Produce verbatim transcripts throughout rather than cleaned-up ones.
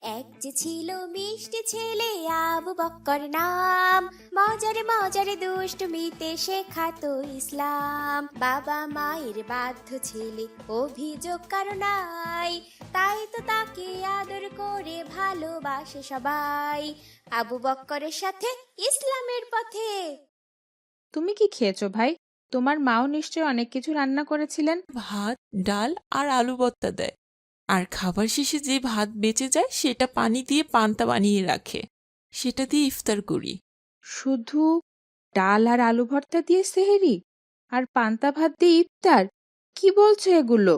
এক যে ছিল মিষ্টি ছেলে আবু বক্কর নাম, মজারে মজারে দুষ্টমিতে শেখাতো ইসলাম। বাবা মায়ের বাধ্য ছেলে, অভিযোগ কারো নাই, তাই তো তাকে আদর করে ভালোবাসে সবাই। আবু বক্করের সাথে ইসলামের পথে। তুমি কি খেয়েছো ভাই? তোমার মাও নিশ্চয়ই অনেক কিছু রান্না করেছিলেন। ভাত, ডাল আর আলু ভর্তা দেয়। আর খাবার শেষে যে ভাত বেঁচে যায় সেটা পানি দিয়ে পান্তা বানিয়ে রাখে, সেটা দিয়ে ইফতার করি। শুধু ডাল আর আলু ভর্তা দিয়ে সেহেরি আর পান্তা ভাত দিয়ে ইফতার? কি বলছো এগুলো?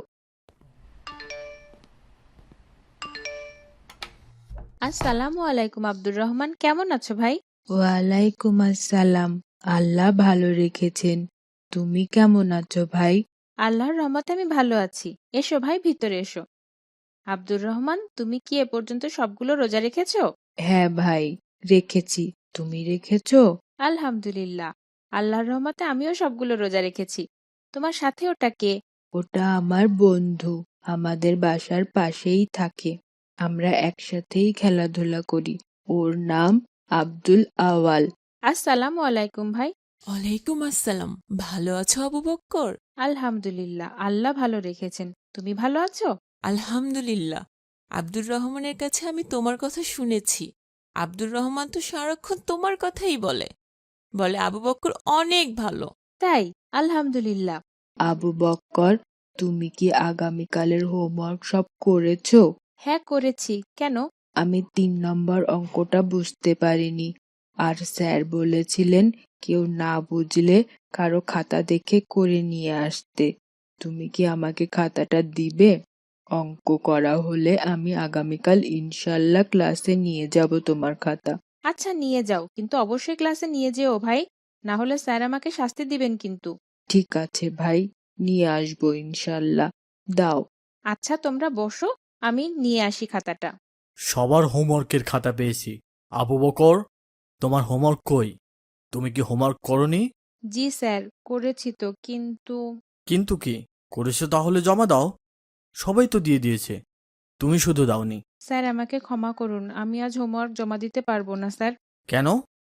আসসালামু আলাইকুম আব্দুর রহমান, কেমন আছো ভাই? ওয়ালাইকুম আসসালাম। আল্লাহ ভালো রেখেছেন। তুমি কেমন আছো ভাই? আল্লাহর রহমতে আমি ভালো আছি। এসো ভাই, ভিতরে এসো। আব্দুর রহমান, তুমি কি এ পর্যন্ত সবগুলো রোজা রেখেছো? হ্যাঁ ভাই, রেখেছি। তুমি রেখেছো? আলহামদুলিল্লাহ, আল্লাহর রহমতে আমিও সবগুলো রোজা রেখেছি। তোমার সাথে ওটা কে? ওটা আমার বন্ধু, আমাদের বাসার পাশেই থাকে। আমরা একসাথেই খেলাধুলা করি। ওর নাম আব্দুল আওয়াল। আসসালামু আলাইকুম ভাই। ওয়ালাইকুম আসসালাম। ভালো আছো আবু বক্কর? আলহামদুলিল্লাহ, আল্লাহ ভালো রেখেছেন। তুমি ভালো আছো? আলহামদুলিল্লাহ। আব্দুর রহমানের কাছে আমি তোমার কথা শুনেছি। আব্দুর রহমান তো সারাক্ষণ তোমার কথাই বলে বলে আবু বক্কর অনেক ভালো। তাই? আলহামদুলিল্লাহ। আবু বক্কর, তুমি কি আগামীকালের হোমওয়ার্ক সব করেছো? হ্যাঁ, করেছি। কেন? আমি তিন নম্বর অঙ্কটা বুঝতে পারিনি, আর স্যার বলেছিলেন কেউ না বুঝলে কারো খাতা দেখে করে নিয়ে আসতে। তুমি কি আমাকে খাতাটা দিবে? অঙ্ক করা হলে আমি আগামীকাল ইনশাল্লাহ ক্লাসে নিয়ে যাব তোমার খাতা। আচ্ছা, নিয়ে যাও, কিন্তু অবশ্যই ক্লাসে নিয়ে যেও ভাই, না হলে স্যার আমাকে শাস্তি দিবেন কিন্তু। ঠিক আছে ভাই, নিয়ে আসবো ইনশাল্লাহ। দাও। আচ্ছা, তোমরা বসো, আমি নিয়ে আসি খাতাটা। সবার হোমওয়ার্কের খাতা পেয়েছি। আবু বকর, তোমার হোমওয়ার্ক কই? তুমি কি হোমওয়ার্ক করনি? জি স্যার, করেছি তো, কিন্তু কিন্তু কি করেছো তাহলে জমা দাও। সবাই তো দিয়ে দিয়েছে, তুমি শুধু দাওনি। স্যার আমাকে ক্ষমা করুন, আমি আজ হোমওয়ার্ক জমা দিতে পারবো না স্যার। কেন?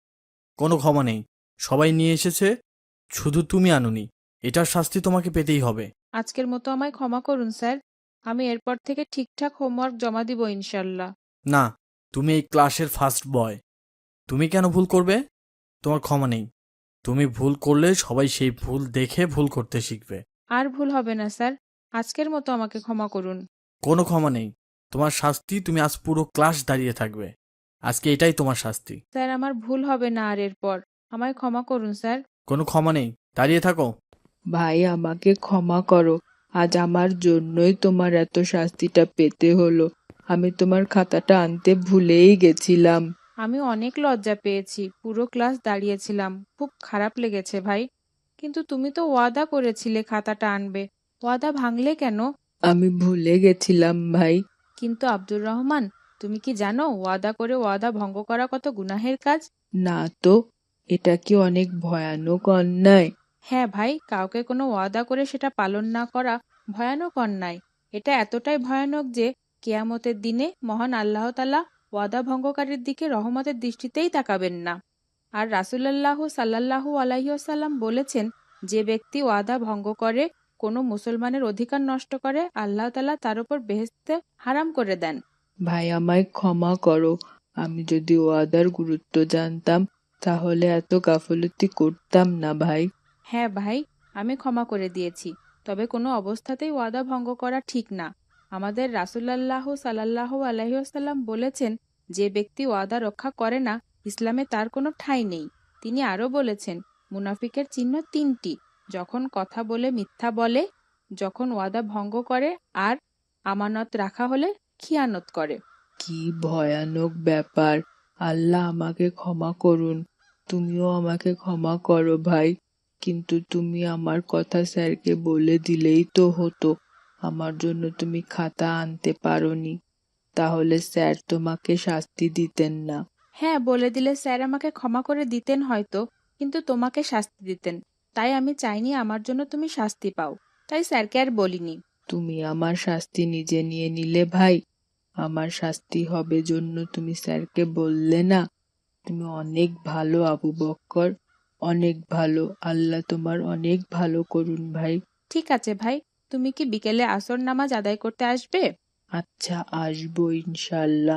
কোনো ক্ষমা নেই, সবাই নিয়ে এসেছে, শুধু তুমি আনোনি। এটার শাস্তি তোমাকে পেতেই হবে। আজকের মতো আমায় ক্ষমা করুন স্যার, আমি এরপর থেকে ঠিকঠাক হোমওয়ার্ক জমা দিব ইনশাল্লাহ। না, তুমি এই ক্লাসের ফার্স্ট বয়, তুমি কেন ভুল করবে? তোমার ক্ষমা নেই। তুমি ভুল করলে সবাই সেই ভুল দেখে ভুল করতে শিখবে। আর ভুল হবে না স্যার, আজকের মতো আমাকে ক্ষমা করুন। কোনো ক্ষমা নেই। তোমার শাস্তি, তুমি আজ পুরো ক্লাস দাঁড়িয়ে থাকবে। আজকে এটাই তোমার শাস্তি। স্যার, আমার ভুল হবে না আর এরপর, আমায় ক্ষমা করুন স্যার। কোনো ক্ষমা নেই, দাঁড়িয়ে থাকো। ভাই, আমাকে ক্ষমা করো। আজ আমার জন্যই তোমার এত শাস্তিটা পেতে হলো। আমি তোমার খাতাটা আনতে ভুলেই গেছিলাম। আমি অনেক লজ্জা পেয়েছি, পুরো ক্লাস দাঁড়িয়েছিলাম, খুব খারাপ লেগেছে ভাই। কিন্তু তুমি তো ওয়াদা করেছিলে খাতাটা আনবে, ওয়াদা ভাঙলে কেন? আমি ভুলে গেছিলাম ভাই। কিন্তু আব্দুর রহমান, তুমি কি জানো ওয়াদা করে ওয়াদা ভঙ্গ করা কত গুনাহের কাজ? না তো, এটা কি অনেক ভয়ানক অন্যায়? হ্যাঁ ভাই, কাউকে কোনো ওয়াদা করে সেটা পালন না করা ভয়ানক অন্যায়। এটা এতটাই ভয়ানক যে কেয়ামতের দিনে মহান আল্লাহ তাআলা ওয়াদা ভঙ্গকারীর দিকে রহমতের দৃষ্টিতেই তাকাবেন না। আর রাসূলুল্লাহ সাল্লাল্লাহু আলাইহি ওয়াসাল্লাম বলেছেন, যে ব্যক্তি ওয়াদা ভঙ্গ করে, কোনো মুসলমানের অধিকার নষ্ট করে, আল্লাহ তাআলা তার উপর বেহেশতে হারাম করে দেন। ভাই, আমায় ক্ষমা করো। আমি যদি ওয়াদার গুরুত্ব জানতাম তাহলে এত গাফলতি করতাম না ভাই। হ্যাঁ ভাই, আমি ক্ষমা করে দিয়েছি, তবে কোনো অবস্থাতেই ওয়াদা ভঙ্গ করা ঠিক না। আমাদের রাসূলুল্লাহ সাল্লাল্লাহু আলাইহি ওয়াসাল্লাম বলেছেন, যে ব্যক্তি ওয়াদা রক্ষা করে না, ইসলামে তার কোনো ঠাঁই নেই। তিনি আরও বলেছেন, মুনাফিকের চিহ্ন তিনটি: যখন কথা বলে মিথ্যা বলে, যখন ওয়াদা ভঙ্গ করে, আর আমানত রাখা হলে খিয়ানত করে। কি ভয়ানক ব্যাপার! আল্লাহ আমাকে ক্ষমা করুন। তুমিও আমাকে ক্ষমা করো ভাই। কিন্তু তুমি আমার কথা স্যারকে বলে দিলেই তো হতো। আমার জন্য তুমি খাতা আনতে পারোনি, তাহলে স্যার তোমাকে শাস্তি দিতেন না। হ্যাঁ, বলে দিলে স্যার আমাকে ক্ষমা করে দিতেন হয়তো, কিন্তু তোমাকে শাস্তি দিতেন। তাই আমি চাইনি আমার জন্য তুমি শাস্তি পাও, তাই স্যারকে আর বলিনি। তুমি আমার শাস্তি নিজে নিয়ে নিলে ভাই। আমার শাস্তি হবে জন্য তুমি স্যারকে বললে না? তুমি অনেক ভালো আবু বক্কর, অনেক ভালো। আল্লাহ তোমার অনেক ভালো করুন ভাই। ঠিক আছে ভাই, তুমি কি বিকেলে আসর নামাজ আদায় করতে আসবে? আচ্ছা, আসবো ইনশাল্লাহ।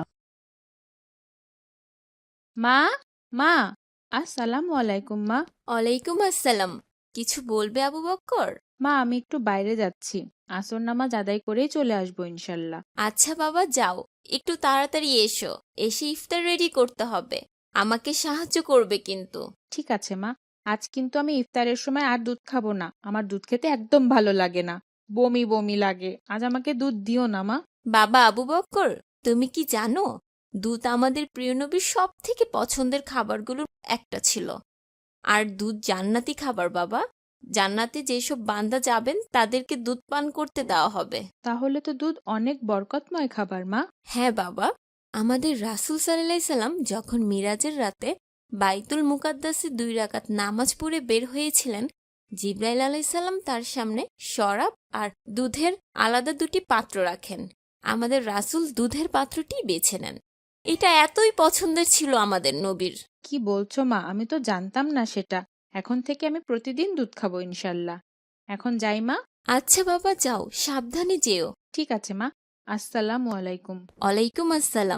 মা, মা, আসসালামু আলাইকুম মা। ওয়ালাইকুম আসসালাম। কিছু বলবে আবু বক্কর? মা, আমি একটু বাইরে যাচ্ছি, আসর নামাজ আদায় করেই চলে আসবো ইনশাল্লাহ। আচ্ছা বাবা, যাও, একটু তাড়াতাড়ি এসো, এসে ইফতার রেডি করতে হবে। আমাকে সাহায্য করবে কিন্তু। ঠিক আছে মা, আজ কিন্তু আমি ইফতারের সময় আর দুধ খাবো না। আমার দুধ খেতে একদম ভালো লাগে না, বমি বমি লাগে। আজ আমাকে দুধ দিও না মা। বাবা আবু বক্কর, তুমি কি জানো দুধ আমাদের প্রিয় নবীর সব থেকে পছন্দের খাবারগুলোর একটা ছিল। আর দুধ জান্নাতি খাবার বাবা। জান্নাতে যেসব বান্দা যাবেন তাদেরকে দুধ পান করতে দেওয়া হবে। তাহলে তো দুধ অনেক বরকতময় খাবার মা। হ্যাঁ বাবা, আমাদের রাসূল সাল্লাল্লাহু আলাইহি সাল্লাম যখন মিরাজের রাতে বাইতুল মুকাদ্দাসে দুই রাকাত নামাজ পড়ে বের হয়েছিলেন, জিবরাইল আলাইহিস সালাম তার সামনে শরাব আর দুধের আলাদা দুটি পাত্র রাখেন। আমাদের রাসূল দুধের পাত্রটি বেছে নেন। এটা এতই পছন্দের ছিল আমাদের নবীর। কি বলছো মা, আমি তো জানতাম না সেটা। এখন থেকে আমি প্রতিদিন দুধ খাবো ইনশাল্লাহ। এখন যাই মা। আচ্ছা বাবা, যাও, সাবধানে যেও। ঠিক আছে মা, আসসালামু আলাইকুম। ওয়ালাইকুম আসসালাম।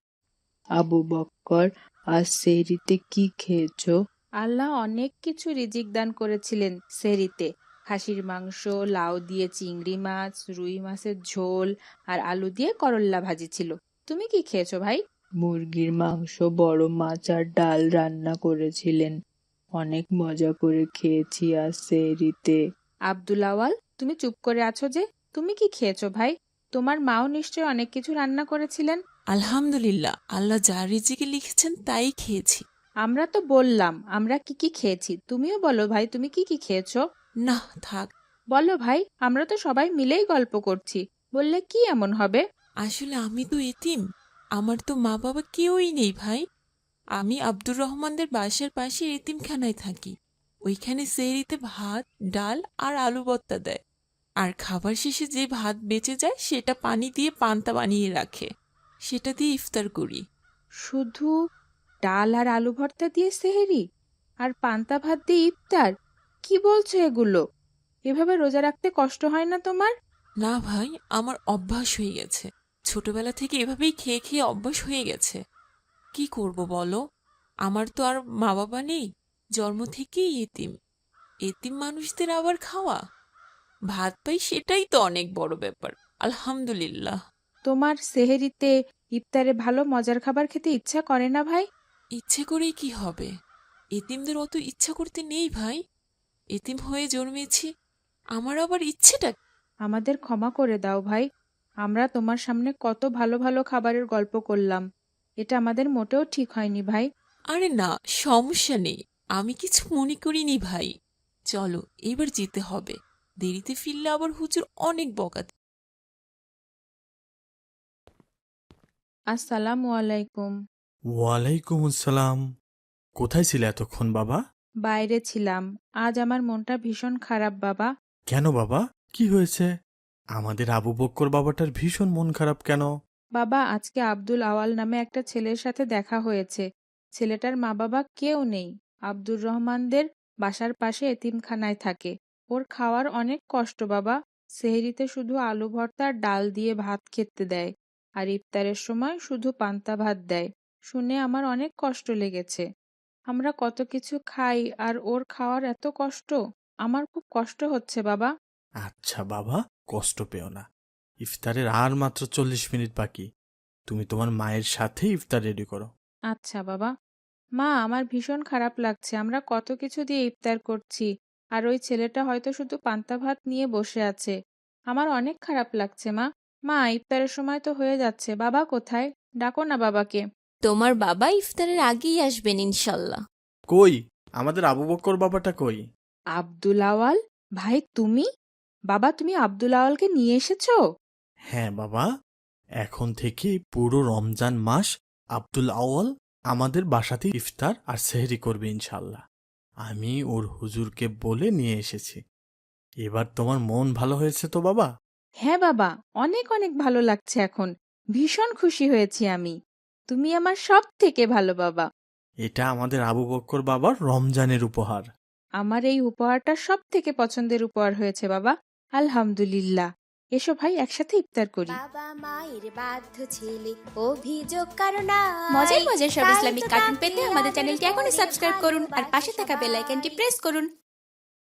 আবু বক্কর, আজ সেহরিতে কি খেয়েছো? আল্লাহ অনেক কিছু রিজিক দান করেছিলেন সেহরিতে। খাসির মাংস, লাউ দিয়ে চিংড়ি মাছ, রুই মাছের ঝোল আর আলু দিয়ে করল্লা ভাজি ছিল। তুমি কি খেয়েছো ভাই? মুরগির মাংস, বড় মাছ আর ডাল রান্না করেছিলেন। অনেক মজা করে খেয়েছি আজ সেহরিতে। আব্দুল আওয়াল, তুমি চুপ করে আছো যে? তুমি কি খেয়েছো ভাই? তোমার মাও নিশ্চয়ই অনেক কিছু রান্না করেছিলেন। আলহামদুলিল্লাহ, আল্লাহ যা রিজিকে লিখেছেন তাই খেয়েছি। আমরা তো বললাম আমরা কি কি খেয়েছি, তুমিও বলো ভাই তুমি কি কি খেয়েছো। না, থাক। বলো ভাই, আমরা তো সবাই মিলেই গল্প করছি, বললে কি এমন হবে? আসলে আমি তো এতিম, আমার তো মা বাবা কেউই নেই ভাই। আমি আব্দুর রহমানদের বাসার পাশে এতিমখানায় থাকি। ওইখানে সেহরিতে ভাত, ডাল আর আলু ভর্তা দেয়। আর খাবার শেষে যে ভাত বেঁচে যায় সেটা পানি দিয়ে পান্তা বানিয়ে রাখে, সেটা দিয়ে ইফতার করি। শুধু ডাল আর আলু ভর্তা দিয়ে সেহেরি আর পান্তা ভাত দিয়ে ইফতার? কি বলছো এগুলো? এভাবে রোজা রাখতে কষ্ট হয় না তোমার? না ভাই, আমার অভ্যাস হয়ে গেছে। ছোটবেলা থেকে এভাবেই খেয়ে খেয়ে অভ্যাস হয়ে গেছে। কি করব বলো, আমার তো আর মা বাবা নেই, জন্ম থেকেই এতিম। এতিম মানুষদের আবার খাওয়া, ভাত পাই, সেটাই তো অনেক বড় ব্যাপার। আলহামদুলিল্লাহ। তোমার সেহেরিতে ইফতারে ভালো মজার খাবার খেতে ইচ্ছা করে না ভাই? ইচ্ছে করেই কি হবে? এতিমদের অত ইচ্ছা করতে নেই ভাই। এতিম হয়ে জন্মেছি, আমার আবার ইচ্ছেটা। আমাদের ক্ষমা করে দাও ভাই, আমরা তোমার সামনে কত ভালো ভালো খাবারের গল্প করলাম। এটা আমাদের মোটেও ঠিক হয়নি ভাই। আরে না, সমস্যা নেই, আমি কিছু মনে করিনি ভাই। চলো এবার যেতে হবে, দেরিতে ফিরলে আবার হুজুর অনেক বকা। আসসালামু আলাইকুম। ওয়ালাইকুম আসসালাম। কোথায় ছিলে এতক্ষণ বাবা? বাইরে ছিলাম, আজ আমার মনটা ভীষণ খারাপ বাবা। কেন বাবা, কি হয়েছে? আমাদের আবু বক্কর বাবাটার ভীষণ মন খারাপ কেন? বাবা, আজকে আব্দুল আওয়াল নামে একটা ছেলের সাথে দেখা হয়েছে। ছেলেটার মা বাবা কেউ নেই, আব্দুর রহমানদের বাসার পাশে এতিমখানায় থাকে। ওর খাওয়ার অনেক কষ্ট বাবা। সেহরিতে শুধু আলু ভর্তা আর ডাল দিয়ে ভাত খেতে দেয়, আর ইফতারের সময় শুধু পান্তা ভাত দেয়। শুনে আমার অনেক কষ্ট লেগেছে। আমরা কত কিছু খাই আর ওর খাওয়ার এত কষ্ট। আমার খুব কষ্ট হচ্ছে বাবা। আচ্ছা বাবা, কষ্ট পেও না। ইফতারের আর মাত্র চল্লিশ মিনিট বাকি। তুমি তোমার মায়ের সাথে ইফতার রেডি করো। আচ্ছা বাবা। মা, আমার ভীষণ খারাপ লাগছে, আমরা কত কিছু দিয়ে ইফতার করছি, আর ওই ছেলেটা হয়তো শুধু পান্তা ভাত নিয়ে বসে আছে। আমার অনেক খারাপ লাগছে মা। মা, ইফতারের সময় তো হয়ে যাচ্ছে, বাবা কোথায়? ডাকো না বাবাকে। তোমার বাবা ইফতারের আগেই আসবেন ইনশাল্লাহ। কই আমাদের আবু বক্কর বাবাটা কই? আব্দুল আওয়াল ভাই, তুমি? বাবা, তুমি আব্দুল আওয়ালকে নিয়ে এসেছো? হ্যাঁ বাবা, এখন থেকে পুরো রমজান মাস আব্দুল আওয়াল আমাদের বাসাতে ইফতার আর সেহরি করবে ইনশাল্লাহ। আমি ওর হুজুরকে বলে নিয়ে এসেছি। এবার তোমার মন ভালো হয়েছে তো বাবা? হ্যাঁ বাবা, অনেক অনেক ভালো লাগছে এখন। ভীষণ খুশি হয়েছি আমি। তুমি আমার সব থেকে ভালো বাবা। এটা আমাদের আবু বক্কর বাবার রমজানের উপহার। আমার এই উপহারটা সব থেকে পছন্দের উপহার হয়েছে বাবা। আলহামদুলিল্লাহ। এসো ভাই, একসাথে ইফতার করি। বাবা মায়ের বাধ্য ছেলে, অভিযোগ কারণ মজার মজার সব ইসলামিক কার্টুন পেতে আমাদের চ্যানেলটি এখনই সাবস্ক্রাইব করুন আর পাশে থাকা বেল আইকনটি প্রেস করুন।